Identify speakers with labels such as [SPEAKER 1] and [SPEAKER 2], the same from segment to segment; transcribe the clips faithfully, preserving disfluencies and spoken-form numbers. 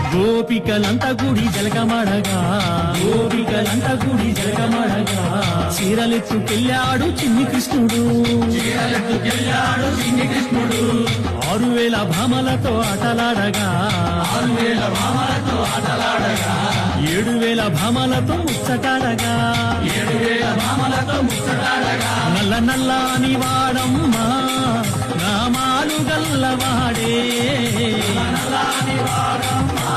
[SPEAKER 1] గోపికలంత గుడి జలకమడగా గోపికలంత గుడి జలకమడగా చీరలెత్తుకెళ్ళాడు చిన్ని కృష్ణుడు చీరలెత్తుకెళ్ళాడు చిన్ని కృష్ణుడు ఆరు వేల భామలతో ఆటలాడగా ఆరు వేల భామలతో ఆటలాడగా ఏడు వేల భామలతో ముచ్చటాడగా ఏడు వేల భామలతో ముచ్చటాడగా నల్ల నల్లని వాడమ్మా నామాలు గల్లవాడే నల్లని వాడమ్మా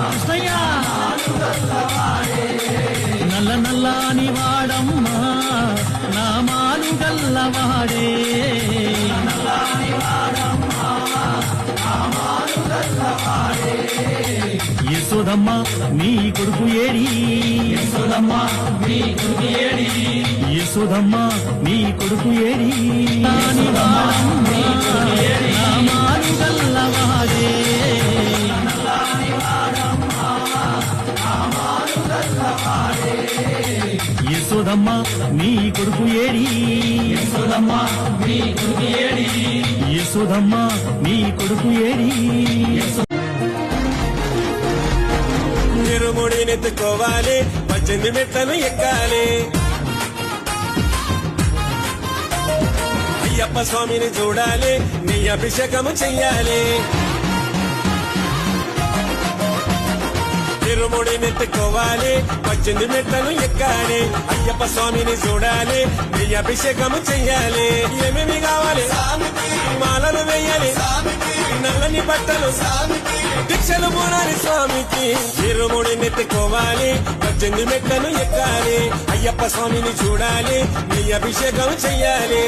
[SPEAKER 1] నల్ల నల్లని వాడమ్మా నామాలు గల్లవాడే యశోదమ్మ నీ కొడుకు ఏడి యశోదమ్మ నీ కొడుకు ఏడి యశోదమ్మ నీ కొడుకు ఏడి నామాలు గల్లవాడే యశోదమ్మ నీ కొడుకు ఏడి యశోదమ్మ నీ కొడుకు ఏడి యశోదమ్మ నీ కొడుకు ఏడి
[SPEAKER 2] తిరుముడినెత్తుకోవాలి పద్దెనిమిది మెట్లను ఎక్కాలి అయ్యప్ప స్వామిని చూడాలి నీ అభిషేకము చెయ్యాలి తిరుముడినెత్తుకోవాలి పద్దెనిమిది మెట్లను ఎక్కాలి అయ్యప్ప స్వామిని చూడాలి నీ అభిషేకము చెయ్యాలి ఏమేమి కావాలి మాలను వేయాలి నల్లని బట్టలు దీక్షలు పూనాలి స్వామికి తిరుముడినెత్తుకోవాలి పద్దెనిమిది మెట్లను ఎక్కాలి అయ్యప్ప స్వామిని చూడాలి నీ అభిషేకం చెయ్యాలి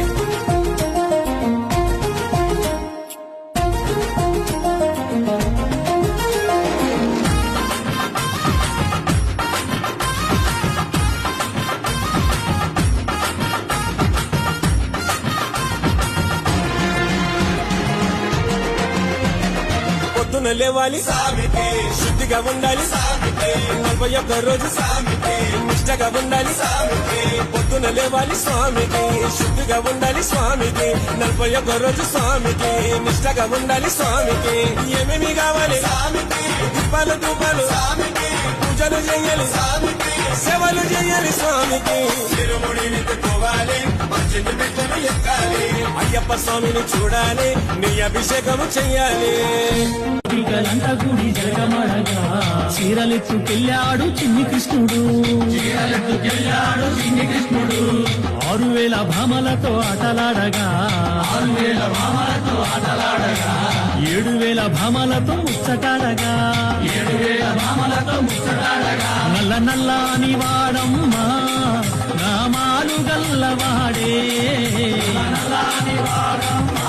[SPEAKER 2] పొద్దున లేవాలి సామికి శుద్ధిగా ఉండాలి సామికి నలభై ఒక్క రోజు సామికి నిష్టగా ఉండాలి సామికి పొద్దున లేవాలి స్వామికి శుద్ధిగా ఉండాలి స్వామికి నలభై ఒక్క రోజు స్వామికి నిష్టగా ఉండాలి స్వామికి ఏమేమి కావాలి సామికి దీపాలు ధూపాలు సామికి పూజలు చేయాలి సామికి సేవలు చేయాలి స్వామికి తిరుముడినెత్తుకోవాలి పద్దెనిమిది మెట్లను ఎక్కాలి అయ్యప్ప స్వామిని చూడాలి నీ అభిషేకము చెయ్యాలి
[SPEAKER 1] గోపికలంత గుడి జలకమడగా చీరలెత్తుకెళ్ళాడు చిన్ని కృష్ణుడు చీరలెత్తుకెళ్ళాడు చిన్ని కృష్ణుడు ఆరు వేల భామలతో ఆటలాడగా ఆరు వేల భామలతో ఆటలాడగా ఏడు వేల భామలతో ముచ్చటాడగా ఏడు వేల భామలతో ముచ్చటాడగా నల్ల నల్లని వాడమ్మా నామాలు గల్లవాడే నల్లని వాడమ్మా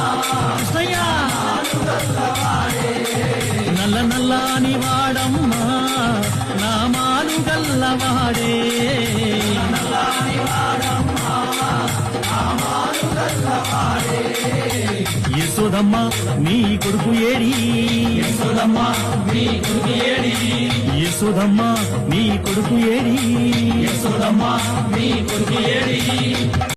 [SPEAKER 1] నల్ల నల్లని వాడమ్మా నామాలు గల్లవాడే యశోదమ్మ నీ కొడుకు ఏడి యశోదమ్మ నీ కొడుకు ఏడి యశోదమ్మ నీ కొడుకు ఏడి యశోదమ్మ నీ కొడుకు ఏడి